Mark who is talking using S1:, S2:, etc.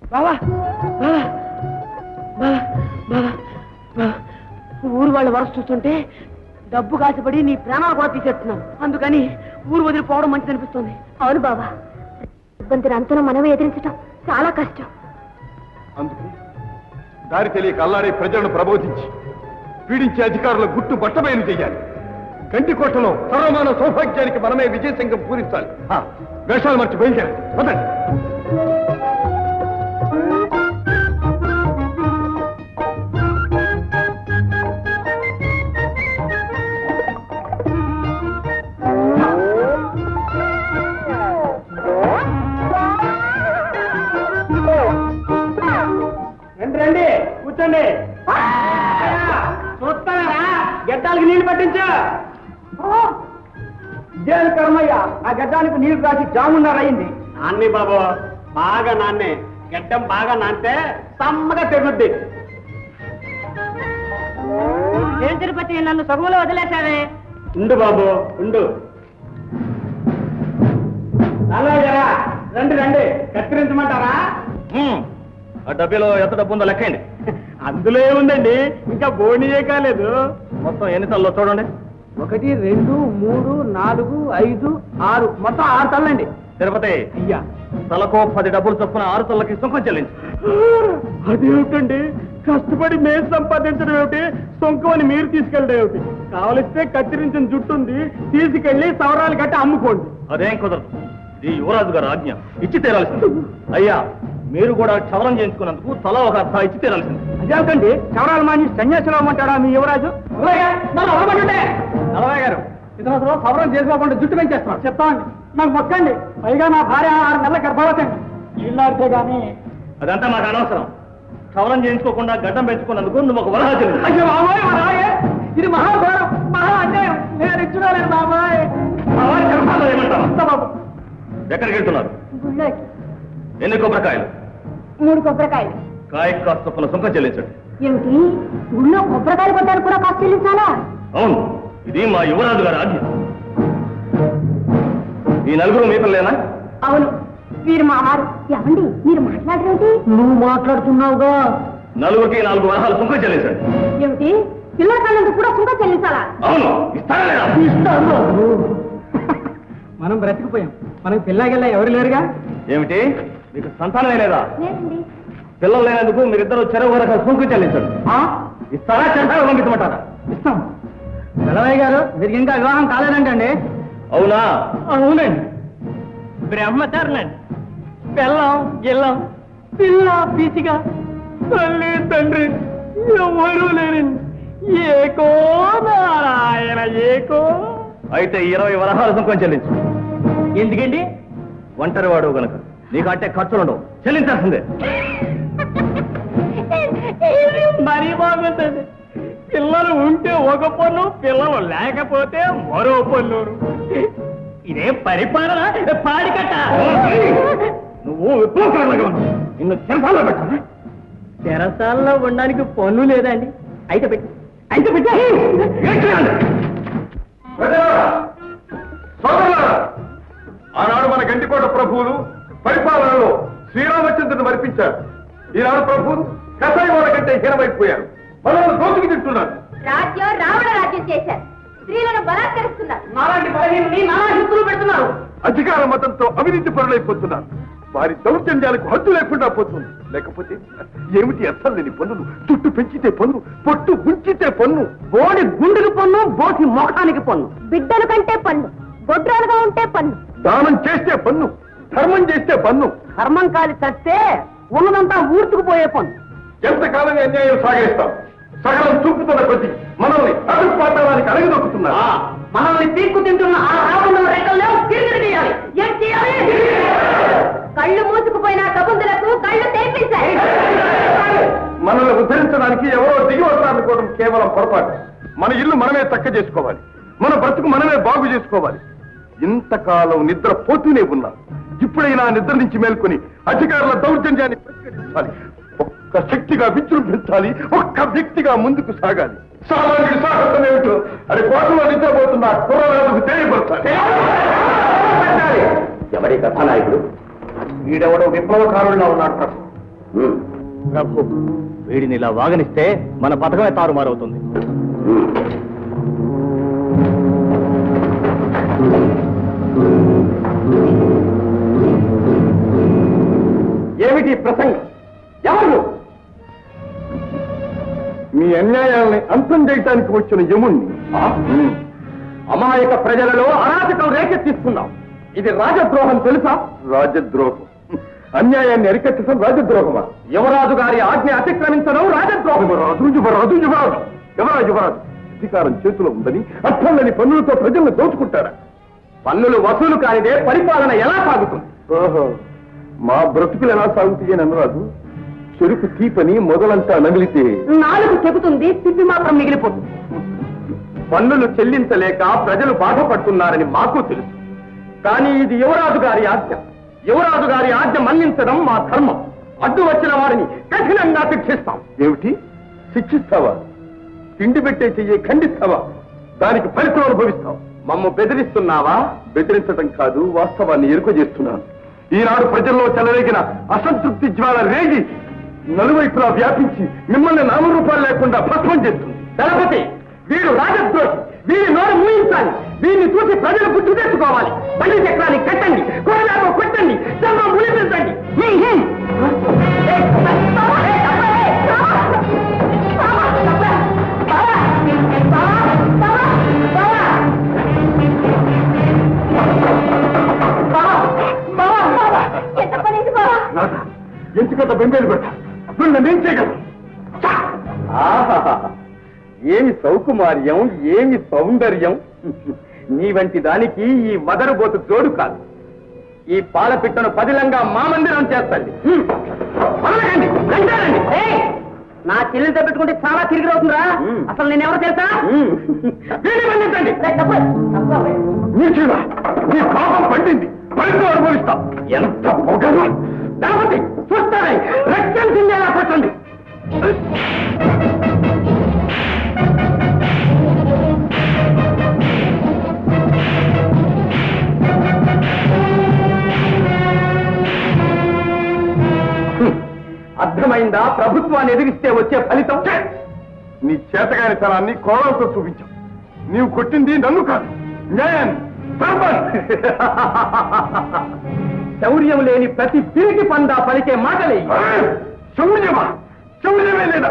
S1: బావా ఊరు వాళ్ళ వరస చూస్తుంటే డబ్బు కాసిపడి నీ ప్రాణాలు కూడా తీసేస్తున్నావు. అందుకని ఊరు వదిలిపోవడం మంచిది అనిపిస్తుంది.
S2: అవును బాబా, ఇబ్బంది అంతలో మనమే ఎదిరించడం చాలా కష్టం.
S3: అందుకే దారి తెలియక అల్లాడే ప్రజలను ప్రబోధించి పీడించే అధికారుల గుట్టు బట్టబయలు చేయాలి. గంటికోటలో సర్వమాన సౌభాగ్యానికి మనమే విజయసంగం పూరించాలి. వేషాలు మర్చి బయలుదేరాలి. వదండి.
S1: రండి కూర్చోండి. చూస్తారా గడ్డాలకి నీళ్లు పట్టించా. ఇదేం కర్మయ్యా, ఆ గడ్డానికి నీళ్లు రాసి జామున్నారయింది. నాన్ని బాబు బాగా నాన్నే, గడ్డం బాగా నానితే సమ్మగా తెగుద్ది. ఏం తిరుపతి నన్ను సగులో వదిలేశావే. ఉండు బాబు ఉండు. రండి రండి, కత్తిరించమంటారా?
S3: ఆ డబ్బీలో ఎంత డబ్బు ఉందో లెక్కండి.
S1: అందులో ఏముందండి, ఇంకా బోనియే కాలేదు.
S3: మొత్తం ఎన్ని తల్లో చూడండి.
S1: 1, 2, 3, 4, 5, 6 మొత్తం 6 తల్లండి.
S3: తిరుపతి
S1: అయ్యా,
S3: తలకో 10 డబ్బులు చొప్పున 6 తల్లకి సుంకం చెల్లించు.
S1: అదేమిటండి, కష్టపడి మేము సంపాదించడం ఏమిటి, సొంకం అని మీరు తీసుకెళ్ళడం ఏమిటి? కావలిస్తే కత్తిరించిన జుట్టుంది తీసుకెళ్లి సవరాలు కట్టి అమ్ముకోండి.
S3: అదేం కుదరదు. ఇది యువరాజు గారు ఆజ్ఞ, ఇచ్చి తీరాల్సింది. అయ్యా, మీరు కూడా క్షవరం చేయించుకున్నందుకు తల ఒక అర్థ ఇచ్చి తీరాల్సింది.
S1: అదేమిటండి, క్షవరాలు మాని సన్యాసులు అమ్మంటాడా మీ యువరాజు? నలభై గారు ఇతను సవరం చేసుకోకుండా జుట్టు పెంచేస్తున్నాడు. చెప్తామండి, నాకు మొక్కండి. పైగా నా భార్య 6 నెలల గర్భవతండి. ఇల్లాడితే గానీ
S3: అదంతా మాకు అనవసరం. క్షవరం చేయించుకోకుండా గడ్డం పెంచుకున్నందుకు నువ్వు ఒక వరహ చెల్లి.
S1: అయ్యో బాబాయ్, ఇది మహాఘోరం, మహా అన్యాయం. నేను ఇచ్చుకోలేదు బాబాయ్.
S3: ఏమంటావు బాబు? ఎక్కడికి వెళ్తున్నారు?
S2: గుళ్ళోకి.
S3: ఎన్ని కొబ్బరికాయలు?
S2: 3 కొబ్బరికాయలు.
S3: కాయ కాస్త చొప్పున సుంకం చెల్లించండి.
S2: ఏమిటి, గుళ్ళో కొబ్బరికాయలు కొట్టారు కూడా కాస్త చెల్లించాలా?
S3: అవును, ఇది మా యువరాజు గారి ఆజ్ఞ. ఈ నలుగురు మీ పిల్లేనా?
S2: అవును, మీరు మా వారు. ఏమండి మీరు మాట్లాడరేంటి?
S1: నువ్వు మాట్లాడుతున్నావుగా.
S3: నలుగురికి 4 వరహాలు సుంకం చెల్లించండి.
S2: ఏమిటి, పిల్లల కాళ్ళందుకు కూడా సుంకం చెల్లించాలా?
S3: అవును, ఇస్తారా లేదా?
S1: ఇస్తాను. మనం బ్రతికిపోయాం, మనకి పిల్లగిల్ల ఎవరు లేరుగా.
S3: ఏమిటి, మీకు సంతానమే లేదా?
S2: లేదండి.
S3: పిల్లలు లేనందుకు మీరిద్దరు చెరువు వరకు సుంకం చెల్లించండి. ఇస్తారా, చెంటారా పంపించమంటారా?
S1: ఇస్తాం. నలభై గారు, మీరు ఇంకా వివాహం కాలేదంటండి?
S3: అవునా?
S1: అవునండి. బ్రహ్మచారులండి. పిల్లం గిల్లం పిల్ల పీచిగా తల్లి తండ్రి ఎవరూ లేరండి. ఏకో నారాయణ ఏకో.
S3: అయితే 20 వరహాలు సుంకం చెల్లించు.
S1: ఎందుకండి?
S3: ఒంటరి వాడు గనక నీకు అంటే ఖర్చులుండవు, చెల్లించాల్సిందే.
S1: మరీ బాగుంటుంది. పిల్లలు ఉంటే ఒక పన్ను, పిల్లలు లేకపోతే మరో పన్ను. ఇదే పరిపాలన పాడికట్ట.
S3: నువ్వు విప్లవకారులుగా ఉన్నావు. నిన్ను చెరసాల్లో పెట్టాలి.
S1: చెరసాల్లో ఉండడానికి పన్ను లేదండి. అయితే పెట్టి
S3: ఆనాడు మన గంటికోట ప్రభువులు పరిపాలనలో శ్రీరామచంద్రుని మరిపించారు. ఈనాడు ప్రభువులు కసాయి వాళ్ళ కంటే హీనమైపోయారు. మనల్ని దోచుకు తింటున్నారు.
S2: రాజ్యం రావణ రాజ్యం చేశారు. స్త్రీలను బలాత్కరిస్తున్నారు.
S1: నాలాంటి బలహీనని నానా హింతులు పెడుతున్నారు.
S3: అధికార మతంతో అవినీతి పరులైపోతున్నారు. వారి దౌర్జన్యాలకు హద్దు లేకుండా పోతుంది. లేకపోతే ఏమిటి అర్థం లేని పన్నులు? చుట్టు పెంచితే పన్ను, పొట్టు ఉంచితే పన్ను,
S1: బోడి గుండెకి పన్ను, బోసి ముఖానికి పన్ను,
S2: బిడ్డల కంటే పన్ను, గొడ్రాలుగా ఉంటే పన్ను,
S3: దానం చేస్తే పన్ను, ధర్మం చేస్తే పన్ను,
S1: ధర్మం కాలి చస్తే ఉన్నదంతా ఊర్చుకుపోయే పన్ను.
S3: ఎంతకాలంగా అన్యాయం సాగిస్తాం? సగలం చూపుతున్న కొద్ది మనల్ని అడుగు పాతానికి అడగదొక్కుతున్నారు.
S1: మనల్ని తీర్పు తింటున్న ఆ రావణ రెక్కల్లో తిరిగి తీయాలి. ఏం చేయాలి?
S2: కళ్ళు మూసుకుపోయిన కబుందులకు కళ్ళు తెరిపించాయి.
S3: మనల్ని ఉద్ధరించడానికి ఎవరో దిగి వస్తారనుకోవడం కేవలం పొరపాటు. మన ఇల్లు మనమే చక్క చేసుకోవాలి. మన బ్రతుకు మనమే బాగు చేసుకోవాలి. ఇంతకాలం నిద్ర పోతూనే ఉన్నాం. ఇప్పుడైనా నిద్ర నుంచి మేల్కొని అధికారుల దౌర్జన్యాన్ని పరిష్కరించాలి. ఒక్క శక్తిగా విజృంభించాలి. ఒక్క వ్యక్తిగా ముందుకు సాగాలి. సామాన్యుడి సాహసం ఏమిటో అది కోటలో నిద్రపోతున్న కుర్రరాజుకు తెలియపరచాలి. ఎవరి కథానాయకుడు? వీడెవడో విప్లవకారుల్లో ఉన్నాడు ప్రభు.
S1: ప్రభు వీడిని ఇలా వాగనిస్తే మన పథకమే తారుమారవుతుంది. ఏమిటి ప్రసంగం? ఎవరు?
S3: మీ అన్యాయాల్ని అంతం చేయటానికి వచ్చిన యముణ్ణి.
S1: అమాయక ప్రజలలో అరాచకం రేకెత్తిస్తున్నాం. ఇది రాజద్రోహం తెలుసా?
S3: రాజద్రోహం. అన్యాయాన్ని అరికట్టడం రాజద్రోహమా?
S1: యువరాజు గారి ఆజ్ఞ అతిక్రమించడం రాజద్రోహం.
S3: యువరాజు అధికారం చేతిలో ఉందని అర్థంలని పన్నులతో ప్రజలను దోచుకుంటారా?
S1: పన్నులు వసూలు కానిదే పరిపాలన ఎలా సాగుతుంది?
S3: ఓహో, మా బ్రతుకులు ఎలా సాగుతాయని అనరాదు. చెరుకు తీపని మొదలంతా నమిలితే
S2: నాలుగు చెబుతుంది, తిప్పి మాత్రం మిగిలిపోతుంది.
S1: పన్నులు చెల్లించలేక ప్రజలు బాధపడుతున్నారని మాకు తెలుసు. కానీ ఇది యువరాజు గారి ఆజ్ఞ. యువరాజు గారి ఆజ్ఞ మన్నించడం మా ధర్మం. అడ్డు వచ్చిన వారిని కఠినంగా శిక్షిస్తాం.
S3: ఏమిటి? శిక్షిస్తావా? తిండి పెట్టే చెయ్యి ఖండిస్తావా? దానికి ఫలితం అనుభవిస్తాం.
S1: మమ్ము బెదిరిస్తున్నావా?
S3: బెదిరించడం కాదు, వాస్తవాన్ని ఎరుక చేస్తున్నాను. ఈనాడు ప్రజల్లో చెలరేగిన అసంతృప్తి జ్వాల రేగి నలువైపులా వ్యాపించి మిమ్మల్ని నామరూపాలు లేకుండా భస్మం చేస్తుంది.
S1: దళపతి, వీడు రాజద్రోహి. వీడి నోరు మూయించాలి. వీడిని చూసి ప్రజలు బుద్ధి తెచ్చుకోవాలి. బండి చక్రాన్ని కట్టండి, కోరలాగా కొట్టండి, చర్మం ములిపించండి.
S3: ఎందుకంత బెంబేలు పెట్ట నేనేం చేయగలను?
S1: ఏమి సౌకుమార్యం, ఏమి సౌందర్యం! నీ వంటి దానికి ఈ మదరబోతు జోడు కాదు. ఈ పాలపిట్టను పదిలంగా మా మందిరం చేస్తండి. నా చెల్లితో పెట్టుకుంటే చాలా తిరిగి అవుతుందా? అసలు నేను ఎవరు తెలుసా? మన్నించండి.
S3: నీ పాపం పండింది, ఫలితం అనుభవిస్తా.
S1: ఎంత పొగరు! దళపతి, చూస్తారే, రక్తం చిందేలా పట్టండి. అర్థమైందా? ప్రభుత్వాన్ని ఎదిరిస్తే వచ్చే ఫలితం.
S3: నీ చేతగానితనాన్ని కోణంతో చూపించావు. నీవు కొట్టింది నన్ను కాదు, న్యాయాన్ని.
S1: శౌర్యం లేని ప్రతి పిరికి పందా పలికే మాటలే.
S3: శౌర్యమా? శౌర్యమే లేదా?